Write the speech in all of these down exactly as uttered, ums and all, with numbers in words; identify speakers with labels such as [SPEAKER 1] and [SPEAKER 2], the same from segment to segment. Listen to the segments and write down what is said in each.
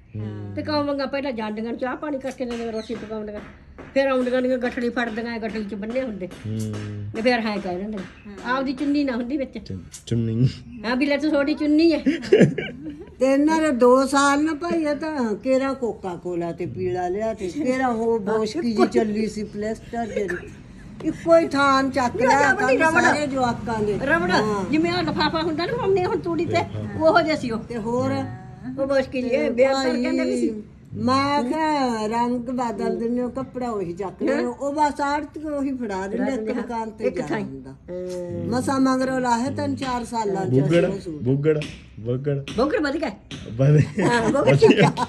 [SPEAKER 1] ਤੇ ਕੌਮਾਂਗਾ ਪਹਿਲਾਂ ਜਾਂਦੀਆਂ ਚਾਹ ਪਾਣੀ ਕਰਕੇ ਨੇ ਰੋਟੀ ਪਕਾਉਂਦੀਆਂ ਫਿਰ ਆਉਂਦੀਆਂ ਦੀਆਂ ਗੱਠੜੀ ਫੜਦੀਆਂ ਗੱਠੜੀ ਚ ਬੰਨੇ ਹੁੰਦੇ ਤੇ ਫਿਰ ਹਾਂ ਕਹਿ ਦਿੰਦੇ ਆਪਦੀ ਚੁੰਨੀ ਨਾ ਹੁੰਦੀ ਵਿੱਚ
[SPEAKER 2] ਚੁੰਨੀ
[SPEAKER 1] ਹਾਂ ਵੀ ਲੈ ਤੂੰ ਥੋੜੀ ਚੁੰਨੀ ਹੈ
[SPEAKER 3] ਤੇ ਇਹਨਾਂ ਦੇ ਦੋ ਸਾਲ ਨਾ ਭਾਈ ਇਹ ਤਾਂ ਕਿਹੜਾ ਕੋਕਾ ਕੋਲਾ ਤੇ ਪੀਲਾ ਲਿਆ ਤੇ ਕਿਹੜਾ ਉਹ ਬੋਸ਼ਕੀ ਜੀ ਚੱਲੀ ਸੀ ਪਲੇਸਟਰ ਜਿਹੜੀ ਇੱਕੋ ਹੀ ਥਾਂ ਚੱਕ ਲਿਆ ਕੰਮ ਸਾਰੇ ਜਵਾਕਾਂ ਦੇ
[SPEAKER 1] ਰਬੜ ਜਿਵੇਂ ਆ ਲਫਾਫਾ ਹੁੰਦਾ ਨਾ ਮੰਮੀ ਹੁਣ ਤੂੜੀ ਤੇ ਉਹੋ ਜਿਹਾ ਸੀ ਉਹ
[SPEAKER 3] ਤੇ ਹੋਰ
[SPEAKER 1] ਉਹ ਮੁਸ਼ਕਿਲ ਇਹ ਬੇਅਸਰ ਕਹਿੰਦੇ ਵੀ ਸੀ
[SPEAKER 3] ਮੈਂ ਕਿਹਾ ਰੰਗ ਬਦਲ ਦਿੰਦੇ ਉਹ ਕੱਪੜਾ ਉਹੀ ਚੱਕ ਲਿਆ ਉਹ ਬਸ ਆੜਤ ਉਹੀ ਫੜਾ ਦਿੰਦੇ ਇੱਕ ਦੁਕਾਨ ਤੇ ਜਾਂਦਾ ਮਸਾ ਮਗਰੋਂ ਲਾਹੇ ਤਿੰਨ ਚਾਰ ਸਾਲਾਂ ਚ
[SPEAKER 2] ਬੁੱਗੜ ਬੁੱਗੜ ਬੁੱਗੜ
[SPEAKER 1] ਬੋਕਰ ਵਧ ਗਿਆ
[SPEAKER 2] ਬਦੇ
[SPEAKER 1] ਹਾਂ ਬੋਕਰ ਠੀਕ ਹੈ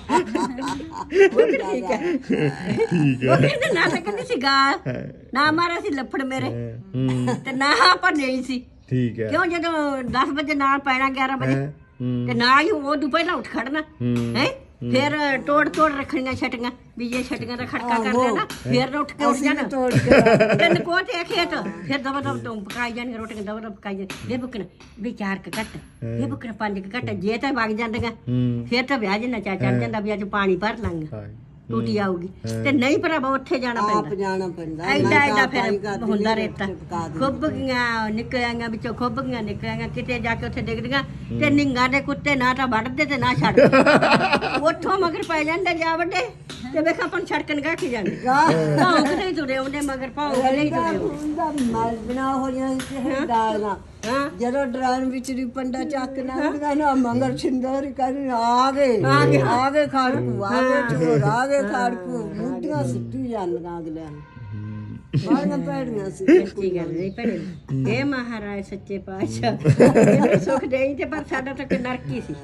[SPEAKER 1] ਬੋਕਰ ਠੀਕ ਹੈ ਬੋਕਰ ਦਾ ਨਾਂ ਤਾਂ ਕਹਿੰਦੇ ਸੀ ਗਾ ਨਾ ਮਾਰਾ ਸੀ ਲੱਫੜ ਮੇਰੇ ਤੇ ਨਾ ਆਪਾਂ ਨਹੀਂ ਸੀ
[SPEAKER 2] ਠੀਕ ਹੈ
[SPEAKER 1] ਕਿਉਂ ਜਦੋਂ ਦਸ ਵਜੇ ਨਾਲ ਪੈਣਾ ਗਿਆਰਾਂ ਵਜੇ ਤੇ ਨਾ ਹੀ ਉਹ ਤੋਂ ਪਹਿਲਾਂ ਉੱਠ ਖੜਨਾ ਹੈ ਫਿਰ ਤੋੜ ਤੋੜ ਰੱਖਣੀਆਂ ਛਟੀਆਂ ਵੀ ਜੇ ਛਟੀਆਂ ਦਾ ਖੜਕਾ ਕਰਦੇ ਨਾ ਫਿਰ ਉੱਠ ਕੇ ਉੱਠ ਜਾਣਾ
[SPEAKER 3] ਤੋੜ ਕੇ
[SPEAKER 1] ਤਿੰਨ ਕੋਟੇ ਖੇਤ ਫਿਰ ਦਵਾ ਦਵਾ ਤੋਂ ਪਕਾਈ ਜਾਣੀਆਂ ਰੋਟੀਆਂ ਦਵਾ ਦਵਾ ਪਕਾਈ ਜਾਣ ਬੇ ਬੁਕਣ ਵੀ ਚਾਰ ਕ ਘੱਟ ਇਹ ਬੁਕਣ ਪੰਜ ਕ ਘੱਟ ਜੇ ਤਾਂ ਵਗ ਜਾਂਦੀਆਂ ਫਿਰ ਤਾਂ ਵਿਆਹ ਜਿੰਨਾ ਚਾ ਚੜ ਜਾਂਦਾ ਵੀ ਅੱਜ ਪਾਣੀ ਭਰ ਲਾਂਗਾ ਟੂਟੀ ਆਊਗੀ ਤੇ ਨਹੀਂ ਭਰਾਵਾ ਉੱਥੇ ਜਾਣਾ
[SPEAKER 3] ਆਪ
[SPEAKER 1] ਪੈਂਦਾ
[SPEAKER 3] ਜਾਣਾ ਪੈਂਦਾ
[SPEAKER 1] ਐਡਾ ਐਡਾ ਫਿਰ ਹੁੰਦਾ ਰੇਤਾ ਖੁੱਬ ਗਈਆਂ ਨਿਕਲਿਆਂਗਾ ਵਿੱਚੋਂ ਖੁੱਬ ਗਈਆਂ ਨਿਕਲਿਆਂਗਾ ਕਿਤੇ ਜਾ ਕੇ ਉੱਥੇ ਡਿੱਗਦੀਆਂ ਤੇ ਨਿੰਗਾ ਦੇ ਕੁੱਤੇ ਨਾ ਤਾਂ ਵੱਢਦੇ ਤੇ ਨਾ ਛੱਡਦੇ ਉੱਥੋਂ ਮਗਰ ਪੈ ਜਾਂਦੇ ਜਾ ਵੱਡੇ ਤੇ ਵੇਖ ਆਪਾਂ ਛੜਕਣ ਗਾ ਕੇ ਜਾਂਦੇ ਭਾਉ ਕਿਤੇ ਤੁਰੇ ਉਹਦੇ ਮਗਰ ਭਾਉ ਨਹੀਂ ਤੁਰੇ
[SPEAKER 3] ਹੁੰਦਾ ਮਲ ਬਣਾ ਹੋ ਜਾਂ ਦਾਲਾਂ
[SPEAKER 1] ਹਾਂ
[SPEAKER 3] ਜਦੋਂ ਡਰਾਨ ਵਿੱਚ ਰਿਪੰਡਾ ਚੱਕ ਨਾ ਨਾ ਮੰਗਲ ਛਿੰਦਰ ਕਰ ਆ ਗਏ ਆ ਗਏ ਆ ਗਏ ਖਾੜਕੂ ਆ ਗਏ ਚੋਰ ਆ ਗਏ ਖਾੜਕੂ ਮੁੱਢੀਆਂ ਸਿੱਟੀ ਜਾਂਦੀਆਂ ਅਗਲਿਆਂ ਨੂੰ ਬਾਹਰ ਪੈੜੀਆਂ ਸੀ
[SPEAKER 1] ਸੱਚੀ ਗੱਲ ਨਹੀਂ ਭੈਣੇ ਇਹ ਮਹਾਰਾਜ ਸੱਚੇ ਪਾਤਸ਼ਾਹ ਇਹਨੂੰ ਸੁੱਖ ਦੇਈ ਤੇ ਪਰ ਸਾਡਾ ਤਾਂ ਨਰਕੀ ਸੀ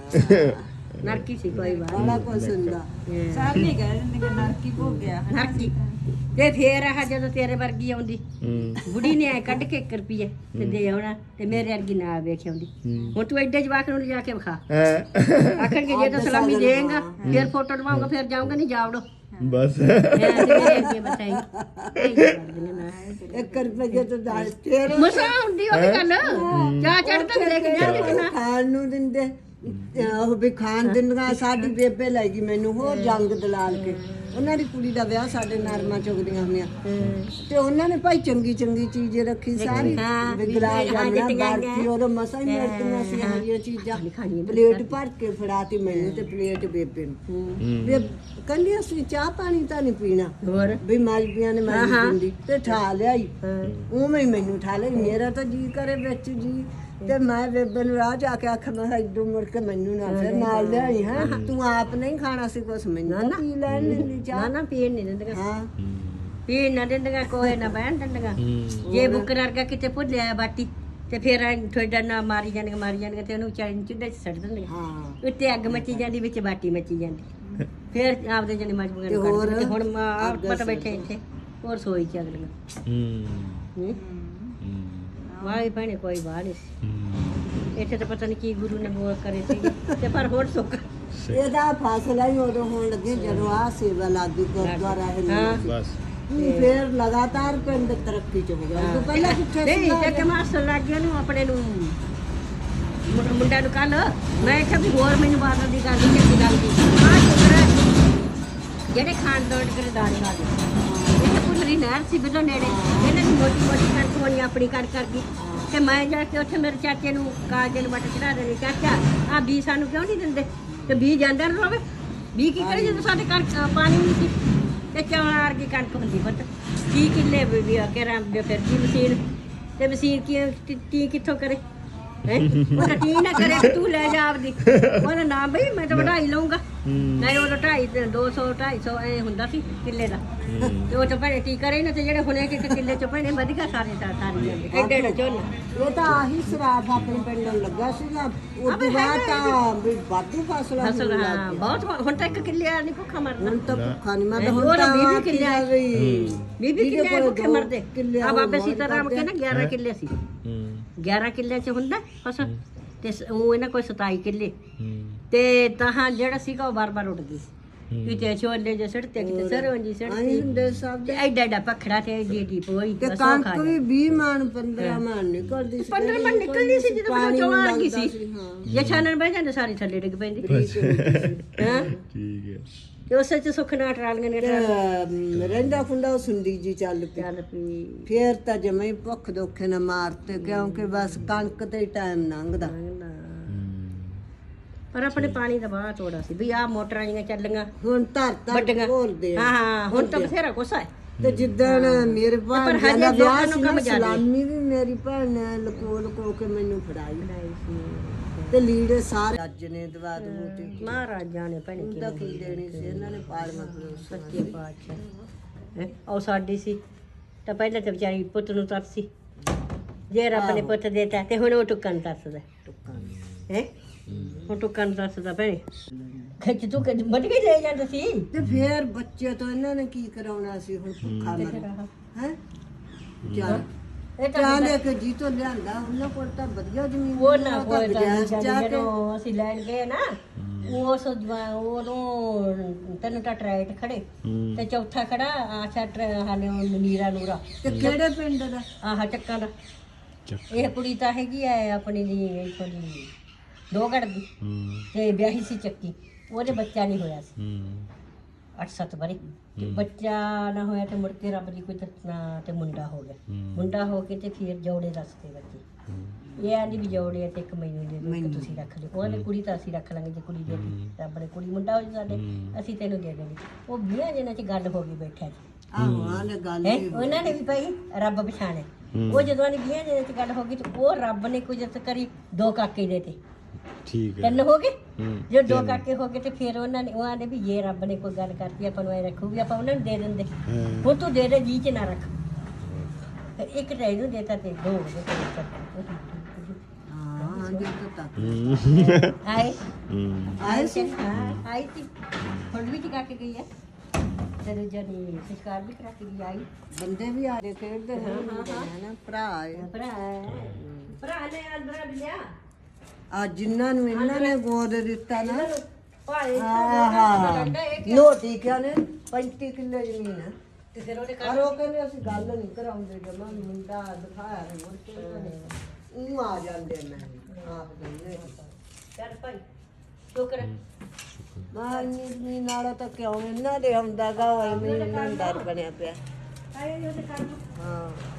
[SPEAKER 1] ਨਰਕੀ ਸੀ ਕੋਈ ਬਾਤ
[SPEAKER 3] ਬੜਾ ਕੁਛ ਹੁੰਦਾ
[SPEAKER 4] ਸਾਰੇ ਕਹਿ ਦਿੰਦੇ ਕਿ ਨਰਕੀ ਭੋਗ ਗਿਆ
[SPEAKER 1] ਨਰਕੀ ਤੇ ਫੇਰ ਆਹ ਜਦੋਂ ਤੇਰੇ ਵਰਗੀ ਆਉਂਦੀ ਬੁੜੀ ਨੇ ਐ ਕੱਢ ਕੇ ਇੱਕ ਰੁਪਈਏ ਤੇ ਦੇ ਆਉਣਾ ਤੇ ਮੇਰੇ ਵਰਗੀ ਨਾ ਵੇਖ ਆਉਂਦੀ ਹੁਣ ਤੂੰ ਐਡੇ ਜਵਾਕ ਨੂੰ ਜਾ ਕੇ ਵਿਖਾ ਆਖਣਗੇ ਜੇ ਤਾਂ ਸਲਾਮੀ ਦੇਂਗਾ ਫੇਰ ਫੋਟੋ ਲਵਾਉਂਗਾ ਫੇਰ ਜਾਊਂਗਾ ਨਹੀਂ ਜਾਵੜੋ
[SPEAKER 2] ਬਸ
[SPEAKER 3] ਇੱਕ ਰੁਪਏ ਤੋਂ ਦਸ ਤੇਰੇ
[SPEAKER 1] ਮਸਾ ਹੁੰਦੀ ਉਹ ਗੱਲ ਚਾਹ ਚੜ ਤੱਕ ਲੈ ਕੇ ਜਾਂਦੇ ਨਾ
[SPEAKER 3] ਖਾਣ ਨੂੰ ਦਿੰਦੇ ਉਹ ਵੀ ਖਾਣ ਦਿੰਦੀਆਂ ਸਾਡੀ ਬੇਬੇ ਲੈ ਗਈ ਮੈਨੂੰ ਹੋਰ ਜੰਗ ਦਲਾਲ ਕੇ ਉਹਨਾਂ ਦੀ ਕੁੜੀ ਦਾ ਵਿਆਹ ਸਾਡੇ ਨਰਮਾ ਚੁਗਦੀਆਂ ਹੁੰਦੀਆਂ ਤੇ ਉਹਨਾਂ ਨੇ ਭਾਈ ਚੰਗੀ ਚੰਗੀ ਚੀਜ਼ ਰੱਖੀ ਸਾਰੀ ਗੁਲਾਬ ਜਾਮਣਾ ਬਾਰਕੀ ਉਹ ਮਸਾ ਹੀ ਮਿਲਦੀਆਂ ਸੀ ਹਰੀਆਂ ਚੀਜ਼ਾਂ ਪਲੇਟ ਭਰ ਕੇ ਫੜਾਤੀ ਮੈਨੂੰ ਤੇ ਪਲੇਟ ਬੇਬੇ ਨੂੰ ਬੇ ਕਹਿੰਦੀ ਅਸੀਂ ਚਾਹ ਪਾਣੀ ਤਾਂ ਨਹੀਂ ਪੀਣਾ
[SPEAKER 1] ਹੋਰ
[SPEAKER 3] ਵੀ ਮਾਲਪੀਆਂ ਨੇ ਮੈਂ ਦਿੰਦੀ ਤੇ ਠਾ ਲਿਆਈ ਉਵੇਂ ਹੀ ਮੈਨੂੰ ਠਾ ਲਈ ਮੇਰਾ ਤਾਂ ਜੀ ਕਰੇ ਵਿੱਚ ਜੀ ਤੇ ਮੈਂ ਬੇਬੇ ਨੂੰ ਰਾਹ ਜਾ ਕੇ ਆਖਿਆ ਮੈਂ ਇਦੋਂ ਮੁੜ ਕੇ ਮੈਨੂੰ ਨਾ ਫਿਰ ਨਾਲ ਲਿਆਈ ਹੈ ਤੂੰ ਆਪ ਨਹੀਂ ਖਾਣਾ ਸੀ ਕੁਛ ਮੈਨੂੰ ਪੀ ਲੈਣ ਦਿੰਦੀ
[SPEAKER 1] ਨਾ
[SPEAKER 3] ਚਾਹ
[SPEAKER 1] ਨਾ ਪੀਣ ਨਹੀਂ ਦਿੰਦੀਆਂ
[SPEAKER 3] ਹਾਂ
[SPEAKER 1] ਪੀਣ ਨਾ ਦਿੰਦੀਆਂ ਕੋਈ ਨਾ ਬਹਿਣ ਦਿੰਦੀਆਂ ਜੇ ਬੁੱਕਰ ਵਰਗਾ ਕਿਤੇ ਭੁੱਲਿਆ ਬਾਟੀ ਤੇ ਫਿਰ ਤੁਹਾਡਾ ਨਾ ਮਾਰੀ ਜਾਣਗੇ ਮਾਰੀ ਜਾਣਗੇ ਤੇ ਉਹਨੂੰ ਚਾਈ ਚੁੱਲ੍ਹੇ 'ਚ ਸੱਟ ਦਿੰਦੀਆਂ
[SPEAKER 3] ਹਾਂ
[SPEAKER 1] ਉੱਤੇ ਅੱਗ ਮੱਚੀ ਜਾਂਦੀ ਵਿੱਚ ਬਾਟੀ ਮੱਚੀ ਜਾਂਦੀ ਫਿਰ ਆਪਦੇ ਜਣੇ ਮਜਬੂਰ ਨੂੰ ਕੱਢ ਦਿੰਦੇ ਹੁਣ ਆਪਾਂ ਤਾਂ ਬੈਠੇ ਇੱਥੇ ਹੋਰ ਸੋਈ ਚ ਅਗਲੀਆਂ ਹੂੰ ਵਾਹ ਭੈਣੇ ਕੋਈ ਬਾਤ ਨਹੀਂ ਸੀ ਇੱਥੇ ਤਾਂ ਪਤਾ ਨਹੀਂ ਕੀ ਗੁਰੂ ਨੇ ਬੋਲ ਕਰੇ ਸੀ ਤੇ ਪਰ ਹੋਰ ਸੁੱਕ
[SPEAKER 3] ਇਹਦਾ ਫਾਸਲਾ ਹੀ ਉਦੋਂ ਹੋਣ ਲੱਗੇ ਜਦੋਂ ਆ ਸੇਵਾ ਲਾਗੀ ਗੁਰਦੁਆਰਾ ਹੈ
[SPEAKER 2] ਬਸ
[SPEAKER 3] ਫਿਰ ਲਗਾਤਾਰ ਪਿੰਡ ਤਰੱਕੀ ਚ ਹੋ ਗਿਆ ਉਦੋਂ ਪਹਿਲਾਂ ਕਿੱਥੇ
[SPEAKER 1] ਨਹੀਂ ਜੇ ਕਿ ਮਾਸਟਰ ਲੱਗ ਗਿਆ ਨੂੰ ਆਪਣੇ ਨੂੰ ਮੁੰ- ਮੁੰਡਾ ਨੂੰ ਕੱਲ ਮੈਂ ਕਿਹਾ ਵੀ ਹੋਰ ਮੈਨੂੰ ਬਾਦਲ ਦੀ ਗੱਲ ਨਹੀਂ ਚੰਗੀ ਲੱਗਦੀ ਆਹ ਸ਼ੁਕਰ ਜਿਹੜੇ ਖਾਣ ਦੋੜ ਕੇ ਦਾਣੇ ਲਾ ਗਏ ਇਹ ਪੁੱਤਰੀ ਨਹਿਰ ਸੀ ਬਿਲੋ ਨੇੜੇ ਇਹਨਾਂ ਦੀ ਮੋਟੀ ਮੋਟੀ ਕਣਕ ਹੋਣੀ ਆਪਣੀ ਕਣਕ ਕਰ ਗਈ ਤੇ ਮੈਂ ਜਾ ਕੇ ਉੱਥੇ ਮੇਰੇ ਚਾਚੇ ਨੂੰ ਕਾਜੇ ਨੂੰ ਵੱਟ ਚੜਾ ਦੇਣੀ ਚਾਚਾ ਆ ਬੀ ਸਾਨੂੰ ਕਿਉਂ ਨਹੀਂ ਦਿੰਦੇ ਤੇ ਬੀ ਜਾਂਦਾ ਨਾ ਰੋਵੇ ਬੀ ਕੀ ਕਰੇ ਜਦੋਂ ਸਾਡੇ ਕਣਕ ਪਾਣੀ ਨਹੀਂ ਸੀ ਤੇ ਚੌਲਾਂ ਵਰਗੀ ਕਣਕ ਹੁੰਦੀ ਪੁੱਤ ਕੀ ਕਿੱਲੇ ਵੀ ਆ ਕੇ ਰਾਮ ਫਿਰ ਕੀ ਮਸ਼ੀਨ ਤੇ ਮਸ਼ੀਨ ਕੀ ਟੀ ਕਿੱਥੋਂ ਕਰੇ ਹੈ ਉਹ ਟੀ ਨਾ ਕਰੇ ਤੂੰ ਲੈ ਜਾ ਆਪਦੀ ਉਹਦਾ ਨਾਮ ਬਈ ਮੈਂ ਤਾਂ ਵਢਾਈ ਲਊਂਗਾ ਨਹੀਂ ਉਹ ਢਾਈ ਦੋ ਸੌ ਢਾਈ ਸੌ ਐ ਹੁੰਦਾ ਸੀ ਕਿੱਲੇ ਦਾ ਤੇ ਉਹ ਤਾਂ ਭੈਣੇ ਟੀ ਕਰੇ ਨਾ ਤੇ ਜਿਹੜੇ ਹੁਣੇ ਕਿ ਕਿੱਲੇ ਚ ਭੈਣੇ ਵਧੀਆ ਸਾਰੇ ਤਾਂ ਸਾਰੀ ਜਾਂਦੇ ਐਡੇ ਐਡੇ ਝੋਲੇ
[SPEAKER 3] ਇਹ ਤਾਂ ਆਹੀ ਸਰਾਫ ਆਪਣੇ ਪਿੰਡ ਨੂੰ ਲੱਗਾ ਸੀਗਾ ਉਦੋਂ ਬਾਅਦ ਤਾਂ ਵੀ ਵਾਧੂ ਫਸਲਾਂ
[SPEAKER 1] ਫਸਲ
[SPEAKER 3] ਹੋਣ
[SPEAKER 1] ਹਾਂ
[SPEAKER 3] ਲੱਗ
[SPEAKER 1] ਬਹੁਤ ਹੁਣ ਤਾਂ ਇੱਕ ਕਿੱਲੇ ਆ ਨਹੀਂ ਭੁੱਖਾ ਮਰਨਾ
[SPEAKER 3] ਹੁਣ ਤਾਂ ਭੁੱਖਾ ਨਹੀਂ ਮਰਦਾ
[SPEAKER 1] ਹੁਣ
[SPEAKER 3] ਹੁਣ ਤਾਂ
[SPEAKER 1] ਵੀਹ ਕਿੱਲੇ ਆਏ।
[SPEAKER 3] ਵੀ
[SPEAKER 1] ਵੀਹ ਕਿੱਲੇ ਭੁੱਖੇ ਮਰਦੇ
[SPEAKER 3] ਕਿੱਲੇ
[SPEAKER 1] ਆ ਬਾਬੇ ਸੀਤਾਰਾਮ ਕਹਿੰਦਾ ਗਿਆਰਾਂ ਕਿੱਲੇ ਸੀ ਗਿਆਰਾਂ ਕਿੱਲੇ ਚ ਹੁੰਦਾ ਫਸਲ ਤੇ ਉਹ ਇਹਨਾਂ ਕੋਈ ਸਤਾਈ ਕਿੱਲੇ ਤੇ ਤਾਂ ਜਿਹੜਾ ਸੀਗਾ ਉਹ ਬਾਰ-ਬਾਰ ਉੱਡਦੀ ਸੀ ਕਿਤੇ ਛੋਲੇ ਜੇ ਸੜਤੇ ਕਿਤੇ ਸਰੋਂ ਜੀ
[SPEAKER 3] ਆਈ
[SPEAKER 1] ਸੜਤੀ
[SPEAKER 3] ਹੁੰਦੇ ਸਭ
[SPEAKER 1] ਤੇ ਐਡਾ ਐਡਾ ਪਖੜਾ ਤੇ ਐਡੀ ਐਡੀ ਪੋਈ
[SPEAKER 3] ਤੇ
[SPEAKER 1] ਬਸ ਉਹ ਖਾ
[SPEAKER 3] ਕਣਕ ਵੀ ਵੀਹ ਮਣ ਪੰਦਰਾਂ ਮਣ ਨਿਕਲਦੀ ਸੀ
[SPEAKER 1] ਪੰਦਰਾਂ ਮਣ ਨਿਕਲਦੀ ਸੀ ਜਦੋਂ
[SPEAKER 3] ਪਾਣੀ
[SPEAKER 1] ਚੋਂ ਆ
[SPEAKER 3] ਲੱਗਦਾ
[SPEAKER 1] ਗਈ ਸੀ
[SPEAKER 3] ਸੀ, ਹਾਂ
[SPEAKER 1] ਜੇ ਛਾਨਣ ਬਹਿ ਜਾਂਦੇ ਸਾਰੀ ਥੱਲੇ ਡਿੱਗ ਪੈਂਦੀ ਹਾਂ
[SPEAKER 2] ਠੀਕ ਹੈ
[SPEAKER 1] ਤੇ ਉਸੇ ਚ ਸੁੱਖ ਨਾਲ ਟਰਾਲੀਆਂ ਨੇ
[SPEAKER 3] ਤੇ ਅਮ, ਰਹਿੰਦਾ ਖੁੰਦਾ ਉਹ ਸੁੰਡੀ ਜੀ ਚੱਲ ਪਈ
[SPEAKER 1] ਚੱਲ ਪਈ
[SPEAKER 3] ਫੇਰ ਤਾਂ ਜਮੇ ਭੁੱਖ ਦੋਖੇ ਨਾ ਮਾਰਤੇ ਕਿਉਂਕਿ ਬਸ ਕਣਕ ਤੇ ਟਾਈਮ ਲੰਘਦਾ
[SPEAKER 1] ਪਰ ਆਪਣੇ ਪਾਣੀ ਦਾ ਬਾਹਰ ਤੋੜਾ ਸੀ ਵੀ ਆਹ ਮੋਟਰਾਂ ਜੀਆਂ ਚੱਲੀਆਂ
[SPEAKER 3] ਹੁਣ ਧਰਤਾ
[SPEAKER 1] ਵੱਡੀਆਂ
[SPEAKER 3] ਘੋਲਦੇ ਆ
[SPEAKER 1] ਹਾਂ ਹਾਂ ਹੁਣ ਤਾਂ ਬਥੇਰਾ ਕੁਛ ਹੈ
[SPEAKER 3] ਤੇ ਜਿੱਦਣ ਮੇਰੇ
[SPEAKER 1] ਪਰ
[SPEAKER 3] ਭਾਣ
[SPEAKER 1] ਹਜੇ
[SPEAKER 3] ਦਾ ਵਿਆਹ
[SPEAKER 1] ਲੋਕਾਂ ਨੂੰ
[SPEAKER 3] ਸੀ
[SPEAKER 1] ਕੰਮ
[SPEAKER 3] ਨਾ
[SPEAKER 1] ਜ਼ਿਆਦੇ।
[SPEAKER 3] ਸਲਾਮੀ ਵੀ ਮੇਰੀ ਭੈਣ ਨੇ ਲਕੋ ਲਕੋ ਕੇ ਮੈਨੂੰ ਫੜਾਈ ਤੇ ਲੀੜੇ ਸਾਰੇ ਰੱਜ ਨੇ ਦਵਾ ਦਵੂ ਤੇ
[SPEAKER 1] ਮਹਾਰਾਜਾ ਨੇ ਭੈਣ
[SPEAKER 3] ਉਹਦਾ ਕੀ ਦੇਣੀ ਸੀ ਇਹਨਾਂ ਨੇ ਪਾਲਮਾ ਫਲੋਸ
[SPEAKER 1] ਸੱਚੇ ਪਾਤਸ਼ਾਹ ਹੈਂ, ਉਹ ਸਾਡੀ ਸੀ ਤਾਂ ਪਹਿਲਾਂ ਤਾਂ ਵਿਚਾਰੀ ਪੁੱਤ ਨੂੰ ਤਰਸ ਸੀ ਜੇ ਰੱਬ ਨੇ ਪੁੱਤ ਦੇਤਾ ਤੇ ਹੁਣ ਉਹ ਟੁੱਕਾਂ ਨੂੰ ਤਰਸਦਾ ਹੈ ਹੁਣ ਟੁੱਕਾਂ ਨੂੰ ਤਰਸਦਾ ਭੈਣੇ ਖਿੱਚ ਤੂੰ ਕਿ ਵੱਢ ਕੇ ਲੈ ਜਾਂਦਾ ਸੀ
[SPEAKER 3] ਤੇ ਫੇਰ ਬੱਚੇ ਤੋਂ ਇਹਨਾਂ ਨੇ ਕੀ ਕਰਾਉਣਾ ਸੀ ਹੁਣ ਭੁੱਖਾ ਮਰ ਹੈ ਚੱਲ
[SPEAKER 1] ਇਹ ਤਾਂ
[SPEAKER 3] ਚਾਹ ਲੈ ਕੇ ਜੀ ਤੋਂ ਲਿਆਂਦਾ ਉਹਨਾਂ ਕੋਲ ਤਾਂ ਵਧੀਆ ਜ਼ਮੀਨ
[SPEAKER 1] ਉਹ ਨਾ
[SPEAKER 3] ਉਹ ਤਾਂ
[SPEAKER 1] ਕੋਈ
[SPEAKER 3] ਵਿਦੇਸ਼ ਜਾ ਕੇ
[SPEAKER 1] ਜਦੋਂ ਅਸੀਂ ਲੈਣ ਗਏ ਨਾ ਉਸ ਜਵਾ- ਉਦੋਂ ਤਿੰਨ ਤਾਂ ਟਰੈਕਟ ਖੜੇ ਤੇ ਚੌਥਾ ਖੜਾ ਆਸ਼ਾ ਹਾਲੇ ਉਹ ਨੀਰਾ ਨੂਰਾ
[SPEAKER 3] ਤੇ ਕਿਹੜੇ ਪਿੰਡ ਦਾ
[SPEAKER 1] ਆਹ ਚੱਕਾਂ ਦਾ ਇਹ ਕੁੜੀ ਤਾਂ ਹੈਗੀ ਐ ਆਪਣੀ ਦੀ ਇੱਥੋਂ ਦੀ ਦੋਗੜ ਦੀ ਤੇ ਵਿਆਹੀ ਸੀ ਚੱਕੀ ਉਹਦੇ ਬੱਚਾ ਨਹੀਂ ਹੋਇਆ ਸੀ ਅੱਠ ਸੱਤ ਵਾਰੀ ਤੇ ਬੱਚਾ ਨਾ ਹੋਇਆ ਤੇ ਮੁੜ ਕੇ ਰੱਬ ਦੀ ਕੋਈ ਦੱਸਣਾ ਤੇ ਮੁੰਡਾ ਹੋ ਗਿਆ ਮੁੰਡਾ ਹੋ ਕੇ ਤੇ ਫਿਰ ਜੋੜੇ ਦੱਸਦੇ ਬੱਚੇ ਇਹ ਆਂਦੀ ਵੀ ਜੋੜੇ ਆ ਤੇ ਇੱਕ ਮੈਨੂੰ ਦੇ ਦਿਓ ਇੱਕ ਤੁਸੀਂ ਰੱਖ ਲਿਓ ਉਹਨੇ ਕੁੜੀ ਤਾਂ ਅਸੀਂ ਰੱਖ ਲਾਂਗੇ ਜੇ ਕੁੜੀ ਦੇ ਦਿੱਤੀ ਰੱਬ ਨੇ ਕੁੜੀ ਮੁੰਡਾ ਹੋ ਜਾ ਸਾਡੇ ਅਸੀਂ ਤੈਨੂੰ ਦੇ ਦੇਣੀ ਉਹ ਵੀਹਾਂ ਦਿਨਾਂ ਚ ਗੱਲ ਹੋ ਗਈ ਬੈਠਾ ਜੀ
[SPEAKER 3] ਆਹੋ ਆਹ ਲੈ ਗੱਲ
[SPEAKER 1] ਹੈ ਉਹਨਾਂ ਨੇ ਵੀ ਭਾਈ ਰੱਬ ਪਛਾਣਿਆ ਉਹ ਜਦੋਂ ਨੇ ਵੀਹਾਂ ਦਿਨਾਂ ਚ ਗੱਲ ਹੋ ਗਈ ਤੇ ਉਹ ਰੱਬ ਨੇ ਕੁਝ ਕਰੀ ਦੋ ਕਾਕੇ ਦੇ ਤੇ
[SPEAKER 2] ਠੀਕ ਹੈ
[SPEAKER 1] ਤਿੰਨ ਹੋ ਗਏ ਜੇ ਦੋ ਕਾਕੇ ਹੋ ਗਏ ਤੇ ਫਿਰ ਉਹਨਾਂ ਨੇ ਉਹ ਆਂਦੇ ਵੀ ਜੇ ਰੱਬ ਨੇ ਕੋਈ ਗੱਲ ਕਰਤੀ ਆਪਾਂ ਨੂੰ ਐ ਰੱਖੂਗੀ ਆਪਾਂ ਉਹਨਾਂ ਨੂੰ ਦੇ ਦਿੰਦੇ ਹੁਣ ਤੂੰ ਦੇ ਦੇ ਜੀ ਚ ਨਾ ਰੱਖ ਤੇ ਇੱਕ ਤਾਂ ਇਹਨੂੰ ਦੇਤਾ ਤੇ ਦੋ ਹੋ ਗਏ
[SPEAKER 3] ਹਾਂ ਜੀ ਤਾਂ
[SPEAKER 1] ਆਏ
[SPEAKER 3] ਆਏ ਸੀ
[SPEAKER 1] ਹਾਂ ਆਈ ਸੀ ਹੁਣ ਵੀ ਚਕਾ ਕੇ ਗਈ ਆ ਤੇ ਦੂਜਾ ਨੇ ਸੰਸਕਾਰ ਵੀ ਕਰਾ ਕੇ ਗਈ ਆਈ
[SPEAKER 3] ਬੰਦੇ ਵੀ ਆ ਰਹੇ ਖੇਡਦੇ ਹਾਂ ਨਾ ਭਰਾ ਆਏ
[SPEAKER 1] ਭਰਾ ਭਰਾ ਨੇ ਅੰਦਰ ਲਿਆ
[SPEAKER 3] ਆ ਜਿਨ੍ਹਾਂ ਨੂੰ ਇਹਨਾਂ ਨੇ ਗੋਦ ਦਿੱਤਾ ਨਾ
[SPEAKER 1] ਭਾਏ
[SPEAKER 3] ਆਹਾ ਨੋਟੀ ਕਿਆ ਨੇ ਪੈਂਤੀ ਕਿੱਲੇ ਜ਼ਮੀਨ ਹੈ
[SPEAKER 1] ਤੇ ਫਿਰ ਉਹਨੇ
[SPEAKER 3] ਪਰ ਉਹ ਕਹਿੰਦੇ ਅਸੀਂ ਗੱਲ ਨਹੀਂ ਕਰਾਉਂਦੇ ਜਮਾ ਮੁੰਡਾ ਦਿਖਾਇਆ ਨਹੀਂ ਮੁੜ ਕੇ ਉਹ ਆ ਜਾਂਦੇ ਨੇ ਆਪ ਦੇ
[SPEAKER 1] ਚੱਲ ਭਾਈ ਸ਼ੁਕਰ
[SPEAKER 3] ਮਾਂ ਨੀ ਨਾਲੋਂ ਤਾਂ ਕਿਉਂ ਇਹਨਾਂ ਦੇ ਆਉਂਦਾ ਗਾ ਐਵੇਂ ਇਹਨਾਂ ਨੂੰ ਡਰ ਬਣਿਆ ਪਿਆ
[SPEAKER 1] ਆਏ ਉਹਦੇ ਕੰਮ
[SPEAKER 3] ਹਾਂ